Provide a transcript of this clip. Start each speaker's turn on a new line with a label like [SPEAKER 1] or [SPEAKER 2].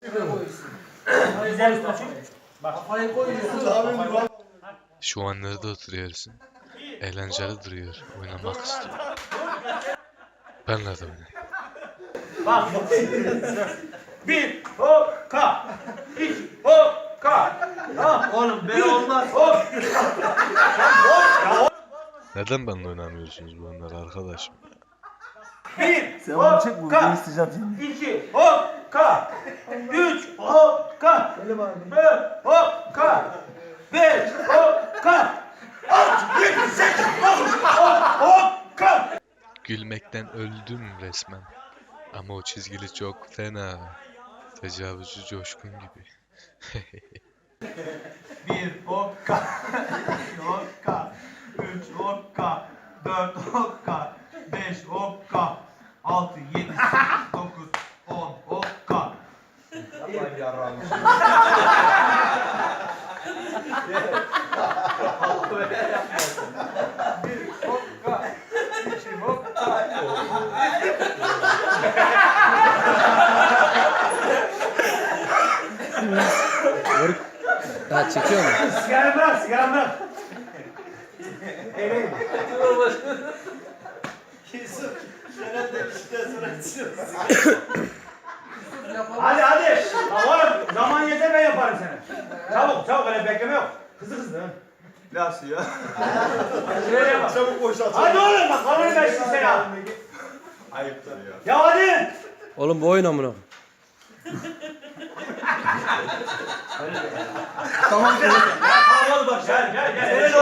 [SPEAKER 1] Şu an nerede oturuyorsun? Eğlenceli duruyor. Oynamak istiyor. Benle de oynayayım.
[SPEAKER 2] Bak. Bir hokka. İki hokka. Tamam.
[SPEAKER 3] Oğlum böyle olmaz.
[SPEAKER 2] Hop.
[SPEAKER 1] Neden benimle oynamıyorsunuz bu oyunları arkadaşım?
[SPEAKER 2] Bir
[SPEAKER 4] Sen onu çek bu
[SPEAKER 2] hokka.
[SPEAKER 4] videoyu isteyeceğim şimdi.
[SPEAKER 2] İki hokka. Üç hokka. Dört hokka. Beş hokka. Altı, yedi, sekiz, dokuz, on hokka.
[SPEAKER 1] Gülmekten öldüm resmen. Ama o çizgili çok fena. Tecavüzcü Coşkun gibi.
[SPEAKER 3] Bir hokka, iki hokka, üç hokka, dört hokka, beş hokka, altı, yedi, sekiz, dokuz, on hokka.
[SPEAKER 5] Yapmayın yarrağını.
[SPEAKER 6] Ha çekiyor mu?
[SPEAKER 2] Sigara bırak, sigara bırak. Hadi hadi. Oğlum zaman yeter ben yaparım seni. Çabuk çabuk öyle bekleme yok. Hızlı.
[SPEAKER 5] Nasıl ya?
[SPEAKER 2] Şuraya bak.
[SPEAKER 5] Çabuk boşalt.
[SPEAKER 2] Hadi oğlum bak kamerayı ben şimdi seni al.
[SPEAKER 5] Ayıptır ya.
[SPEAKER 2] Ya hadi.
[SPEAKER 6] Oğlum bu oyun amına.
[SPEAKER 2] Tamam hadi bak gel.